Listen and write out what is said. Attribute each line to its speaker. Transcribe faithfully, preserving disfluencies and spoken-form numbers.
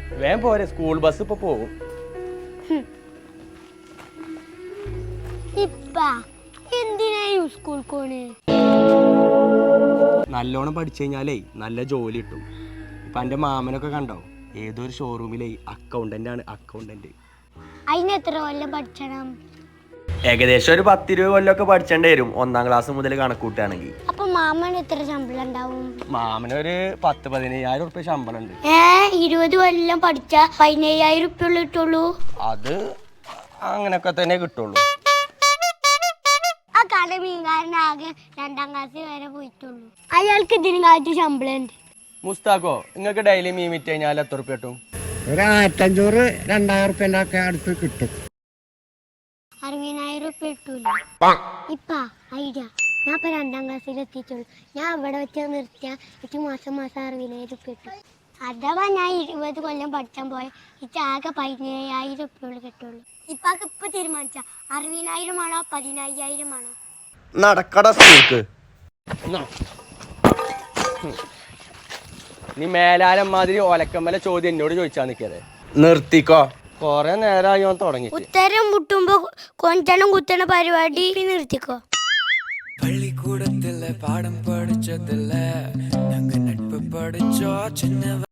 Speaker 1: വേഗം പോരെ, school bus ഇപ്പൊ പോകും. നല്ലോണം പഠിച്ചു കഴിഞ്ഞാലേ നല്ല ജോലി കിട്ടും. ഇപ്പൊ എന്റെ മാമനൊക്കെ കണ്ടോ, ഏതൊരു ഷോറൂമിലെ അക്കൗണ്ടന്റ് ആണ്. അക്കൗണ്ടന്റ്
Speaker 2: അതിന് എത്ര കൊല്ലം പഠിച്ചണം?
Speaker 1: ഏകദേശം ഒരു പത്തിരുപത് കൊല്ലമൊക്കെ പഠിച്ചേണ്ടി വരും, ഒന്നാം ക്ലാസ് മുതൽ കണക്കൂട്ടുകയാണെങ്കിൽ.
Speaker 2: അപ്പൊ മാമന് എത്ര ശമ്പളം ഉണ്ടാവും?
Speaker 1: മാമനൊരു പത്ത് പതിനയ്യായിരം ഉറുപ്പ്യ ശമ്പളം ഉണ്ട്.
Speaker 2: ഏ ഇരുപത് കൊല്ലം പഠിച്ച പതിനയ്യായിരം ഉറുപ്പ്യ കിട്ടുള്ളൂ?
Speaker 1: അത് അങ്ങനൊക്കെ തന്നെ കിട്ടുള്ളൂ.
Speaker 2: ആ കട മീൻകാരനാകെ രണ്ടാം ക്ലാസ് വരെ പോയിട്ടുള്ളൂ. അയാൾക്ക് ഇതിനും കാലത്ത് ശമ്പളം ഉണ്ട്.
Speaker 1: മുസ്താഖോ, നിങ്ങൾക്ക് ഡെയിലി മീൻ വിറ്റ് കഴിഞ്ഞാൽ എത്ര ഉറുപ്പ്യ കിട്ടും?
Speaker 3: ഒരു ആയിരത്തഞ്ഞൂറ് രണ്ടായിരം ഉറുപ്പ്യൻ്റെ ഒക്കെ അടുത്ത് കിട്ടും.
Speaker 2: അറുപതിനായിരം ഉറുപ്പ്യ കിട്ടൂല. ഇപ്പ ഐഡിയ, ഞാൻ ഇപ്പൊ രണ്ടാം ക്ലാസ്സിൽ എത്തിയിട്ടുള്ളൂ. ഞാൻ അവിടെ വെച്ച് നിർത്തിയ എനിക്ക് മാസം മാസം അറുപതിനായിരം ഉറുപ്പ്യ കിട്ടും. അഥവാ ഞാൻ ഇരുപത് കൊല്ലം പഠിച്ചാൻ പോയ എനിക്ക് ആകെ പതിനയ്യായിരം ഉറുപ്പ്യ കിട്ടുള്ളൂ. ഇപ്പൊക്കെ ഇപ്പൊ തീരുമാനിച്ച അറുപതിനായിരം ആണോ പതിനയ്യായിരം ആണോ?
Speaker 1: നടക്കട സ്കൂൾക്ക്. നീ മേലാരം മാതിരി ഒലക്കമ്മല ചോദ്യം എന്നോട് ചോദിച്ചാ നിക്കതെ. നിർത്തിക്കോ, കൊറേ നേരമായി ഓൻ തുടങ്ങി.
Speaker 2: ഉത്തരം മുട്ടുമ്പോ കൊഞ്ചണം കുത്തണ പരിപാടി നിർത്തിക്കോ.
Speaker 4: പള്ളിക്കൂടത്തിലെ പാഠം പഠിച്ചതില്ല, ഞങ്ങൾ നட்பு പഠിച്ചോ ചിന്ന